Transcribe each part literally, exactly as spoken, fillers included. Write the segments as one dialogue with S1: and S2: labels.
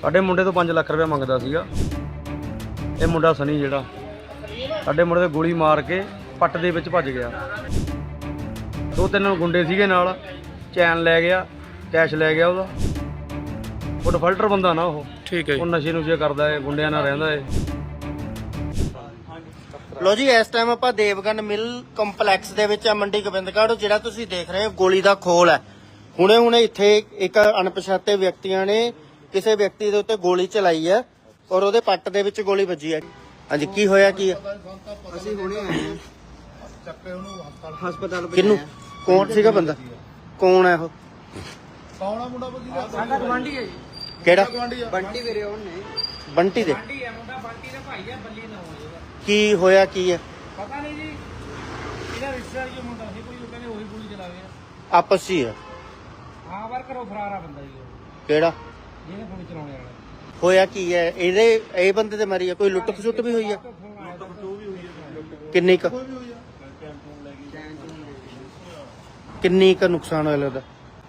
S1: ਸਾਡੇ ਮੁੰਡੇ ਤੋਂ ਪੰਜ ਲੱਖ ਰੁਪਏ ਮੰਗਦਾ ਸੀਗਾ। ਇਹ ਮੁੰਡਾ ਸਨੀ ਜਿਹੜਾ ਸਾਡੇ ਮੁੰਡੇ ਤੇ ਗੋਲੀ ਮਾਰ ਕੇ ਪੱਟ ਦੇ ਵਿੱਚ ਭੱਜ ਗਿਆ। ਦੋ ਤਿੰਨ ਗੁੰਡੇ ਸੀਗੇ ਨਾਲ, ਚੈਨ ਲੈ ਗਿਆ, ਕੈਸ਼ ਲੈ ਗਿਆ ਉਹਦਾ। ਉਹ ਡਿਫਾਲਟਰ ਬੰਦਾ ਨਾ ਉਹ,
S2: ਠੀਕ ਹੈ।
S1: ਉਹ ਨਸ਼ੇ ਨੁਸ਼ੇ ਕਰਦਾ ਹੈ, ਗੁੰਡਿਆਂ ਨਾਲ ਰਹਿੰਦਾ ਹੈ।
S3: ਲੋ ਜੀ ਇਸ ਟਾਈਮ ਆਪਾਂ ਦੇਵਗਨ ਮਿਲ ਕੰਪਲੈਕਸ ਦੇ ਵਿੱਚ ਆ ਮੰਡੀ ਗੋਬਿੰਦਗੜ੍ਹ। ਜਿਹੜਾ ਤੁਸੀਂ ਦੇਖ ਰਹੇ ਹੋ ਗੋਲੀ ਦਾ ਖੋਲ ਹੈ। ਹੁਣੇ ਹੁਣੇ ਇੱਥੇ ਇੱਕ ਅਣਪਛਾਤੇ ਵਿਅਕਤੀਆਂ ਨੇ ਕਿਸੇ ਵਿਅਕਤੀ ਦੇ ਉੱਤੇ ਗੋਲੀ ਚਲਾਈ ਹੈ ਔਰ ਉਹਦੇ ਪੱਟ ਦੇ ਵਿੱਚ ਗੋਲੀ ਵੱਜੀ ਹੈ। ਹਾਂਜੀ, ਕੀ ਹੋਇਆ ਕੀ ਹੈ?
S4: ਅਸੀਂ ਹੁਣੇ ਆਏ ਹਾਂ ਚੱਕੇ ਉਹਨੂੰ ਹਸਪਤਾਲ
S3: ਕਿਹਨੂੰ? ਕੌਣ ਸੀਗਾ ਬੰਦਾ? ਕੌਣ ਹੈ ਉਹ?
S4: ਕੌਣ ਆ ਮੁੰਡਾ ਬਜੀ ਦਾ?
S2: ਸਾਡਾ ਗਵਾਂਢੀ ਹੈ ਜੀ।
S3: ਕਿਹੜਾ?
S4: ਬੰਟੀ ਵੀਰੇ ਉਹਨੇ
S3: ਬੰਟੀ ਦੇ?
S2: ਬੰਟੀ ਹੈ ਮੁੰਡਾ, ਬੰਟੀ ਦਾ ਭਾਈ ਹੈ, ਬੱਲੀ ਨਾ ਹੋਵੇ।
S3: ਕੀ ਹੋਇਆ ਕੀ ਹੈ?
S2: ਪਤਾ ਨਹੀਂ ਜੀ, ਇਹਦਾ ਰਿਸ਼ਤੇਦਾਰ ਜੋ ਮੁੰਡਾ ਸੀ ਕੋਈ, ਉਹ ਕਹਿੰਦੇ ਉਹੀ ਗੋਲੀ ਚਲਾ ਗਿਆ।
S3: ਆਪਸ 'ਚ ਹੀ ਹੈ?
S2: ਹਾਂ, ਵਾਰ ਘਰੋਂ ਫਰਾਰ ਆ ਬੰਦਾ ਜੀ ਉਹ,
S3: ਕਿਹੜਾ?
S2: ਜਿਹਨੇ ਗੋਲੀ ਚਲਾਉਣੇ ਵਾਲਾ।
S3: ਹੋਇਆ ਕੀ ਹੈ? ਇਹਦੇ ਇਹ ਬੰਦੇ ਤੇ ਮਾਰੀ ਹੈ? ਕੋਈ ਲੁੱਟ ਖਸੁੱਟ ਵੀ ਹੋਈ ਹੈ? ਕਿੰਨੀ ਕੁ ਕਿੰਨੀ ਕੁ ਨੁਕਸਾਨ ਹੋਇਆ ਲੱਗਦਾ?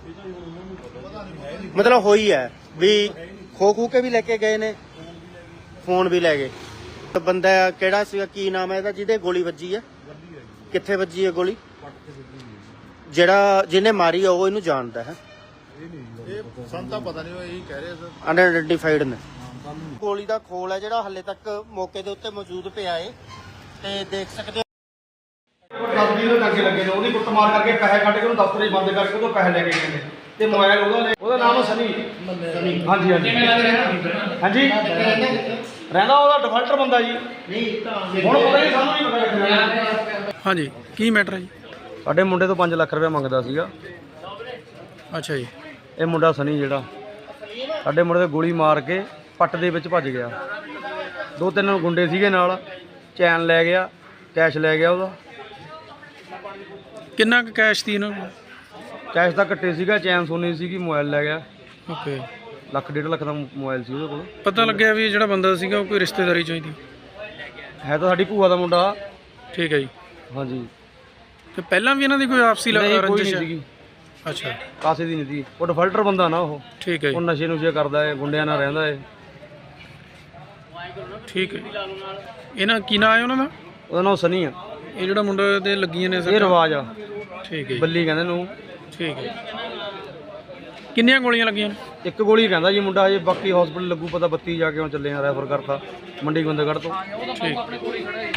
S3: ਮਤਲਬ ਹੋਈ ਹੈ ਵੀ ਖੋ ਖੂ ਕੇ ਵੀ ਲੈ ਕੇ ਗਏ ਨੇ, ਫੋਨ ਵੀ ਲੈ ਗਏ। ਤੇ ਬੰਦਾ ਕਿਹੜਾ ਸੀਗਾ, ਕੀ ਨਾਮ ਹੈ ਇਹਦਾ ਜਿਹਦੇ ਗੋਲੀ ਵੱਜੀ ਹੈ? ਕਿੱਥੇ ਵੱਜੀ ਹੈ ਗੋਲੀ? ਜਿਹੜਾ ਜਿਹਨੇ ਮਾਰੀ ਆ ਉਹ ਇਹਨੂੰ ਜਾਣਦਾ ਹੈ?
S4: ਇਹ ਸਾਨੂੰ ਤਾਂ ਪਤਾ ਨਹੀਂ, ਉਹ ਇਹੀ ਕਹਿ ਰਹੇ ਸਰ।
S3: ਅਨਆਇਡੈਂਟੀਫਾਈਡ ਨੇ। ਗੋਲੀ ਦਾ ਖੋਲ ਹੈ ਜਿਹੜਾ ਹਲੇ ਤੱਕ ਮੌਕੇ ਦੇ ਉੱਤੇ ਮੌਜੂਦ ਪਿਆ ਏ ਤੇ ਦੇਖ ਸਕਦੇ ਹੋ।
S1: ਦਸ ਵੀਹ ਦੇ ਟਾਂਕੇ ਲੱਗੇ ਨੇ, ਉਹਦੀ ਕੁੱਟ ਮਾਰ ਕਰਕੇ ਪੈਸੇ ਕੱਢ ਕੇ ਉਹਨੂੰ ਦਫ਼ਤਰ 'ਚ ਬੰਦ ਕਰਕੇ ਉਹਦੋਂ ਪੈਸੇ ਲੈ ਕੇ ਗਏ ਨੇ ਤੇ ਮੋਬਾਈਲ ਉਹਦਾ ਲੈ। ਉਹਦਾ ਨਾਮ ਸਨੀ। ਹਾਂਜੀ ਹਾਂਜੀ ਹਾਂਜੀ ਰਹਿੰਦਾ ਉਹਦਾ ਡਿਫਾਲਟਰ ਬੰਦਾ ਜੀ। ਹੁਣ ਪਤਾ ਨਹੀਂ, ਸਾਨੂੰ ਨਹੀਂ ਪਤਾ ਕਿੱਥੇ ਰਹਿੰਦਾ।
S2: ਹਾਂਜੀ, ਕੀ ਮੈਟਰ ਹੈ ਜੀ?
S1: ਸਾਡੇ ਮੁੰਡੇ ਤੋਂ ਪੰਜ ਲੱਖ ਰੁਪਏ ਮੰਗਦਾ ਸੀਗਾ।
S2: ਅੱਛਾ ਜੀ।
S1: ਇਹ ਮੁੰਡਾ ਸਨੀ ਜਿਹੜਾ ਸਾਡੇ ਮੁੰਡੇ ਤੇ ਗੋਲੀ ਮਾਰ ਕੇ ਪੱਟ ਦੇ ਵਿੱਚ ਭੱਜ ਗਿਆ। ਦੋ ਤਿੰਨ ਗੁੰਡੇ ਸੀਗੇ ਨਾਲ, ਚੈਨ ਲੈ ਗਿਆ, ਕੈਸ਼ ਲੈ ਗਿਆ ਉਹਦਾ।
S2: ਕਿੰਨਾ ਕੁ ਕੈਸ਼ ਸੀ ਇਹਨਾਂ ਕੋਲ?
S1: ਕੈਸ਼ ਤਾਂ ਕੱਟੇ ਸੀਗਾ, ਚੈਨ ਸੋਨੀ ਸੀਗੀ, ਮੋਬਾਈਲ ਲੈ ਗਿਆ।
S2: ਓਕੇ।
S1: ਲੱਖ ਡੇਢ ਲੱਖ ਦਾ ਮੋਬਾਈਲ ਸੀ ਉਹਦੇ ਕੋਲ।
S2: ਪਤਾ ਲੱਗਿਆ ਵੀ ਜਿਹੜਾ ਬੰਦਾ ਸੀਗਾ ਉਹ ਕੋਈ ਰਿਸ਼ਤੇਦਾਰੀ ਚਾਹੀਦੀ
S1: ਹੈ ਤਾਂ ਸਾਡੀ ਭੂਆ ਦਾ ਮੁੰਡਾ।
S2: ਠੀਕ ਹੈ ਜੀ।
S1: ਹਾਂਜੀ।
S2: ਤੇ ਪਹਿਲਾਂ ਵੀ ਇਹਨਾਂ ਦੀ ਕੋਈ ਆਪਸੀ
S1: ਨਹੀਂ, ਕੋਈ
S2: ਰੰਜਿਸ਼
S1: ਨਹੀਂ
S2: ਹੈ?
S1: ਸੀਗੀ,
S2: ਅੱਛਾ,
S1: ਕਾਸੇ ਦੀ ਨਹੀਂ ਸੀ। ਉਹ ਡਿਫਾਲਟਰ ਬੰਦਾ ਨਾ ਉਹ,
S2: ਠੀਕ ਹੈ
S1: ਉਹ
S2: ਜੀ।
S1: ਨਸ਼ੇ ਨੁਸ਼ੇ ਕਰਦਾ ਹੈ, ਗੁੰਡਿਆਂ ਨਾਲ ਰਹਿੰਦਾ ਹੈ।
S2: ਠੀਕ ਹੈ। ਇਹਨਾਂ ਕੀ ਨਾਂ ਹੈ ਉਹਨਾਂ ਦਾ?
S1: ਉਹਦਾ ਨਾਮ ਸਨੀ ਆ।
S2: ਇਹ ਜਿਹੜਾ ਮੁੰਡੇ ਤੇ ਲੱਗੀਆਂ ਨੇ
S1: ਇਹ
S2: ਸਰ?
S1: ਰਿਵਾਜ ਆ,
S2: ਠੀਕ ਹੈ ਜੀ।
S1: ਬੱਲੀ ਕਹਿੰਦੇ ਨੂੰ।
S2: ਠੀਕ ਹੈ। ਕਿੰਨੀਆਂ ਗੋਲੀਆਂ ਲੱਗੀਆਂ ਨੇ?
S1: ਇੱਕ ਗੋਲੀ ਕਹਿੰਦਾ ਜੀ ਮੁੰਡਾ, ਹਜੇ ਬਾਕੀ ਹਸਪੀਟਲ ਲੱਗੂ ਪਤਾ। ਬੱਤੀ ਜਾ ਕੇ ਹੁਣ ਚੱਲੇ ਆ, ਰੈਫਰ ਕਰਤਾ ਮੰਡੀ ਗੋਬਿੰਦਗੜ੍ਹ ਤੋਂ।
S2: ਠੀਕ।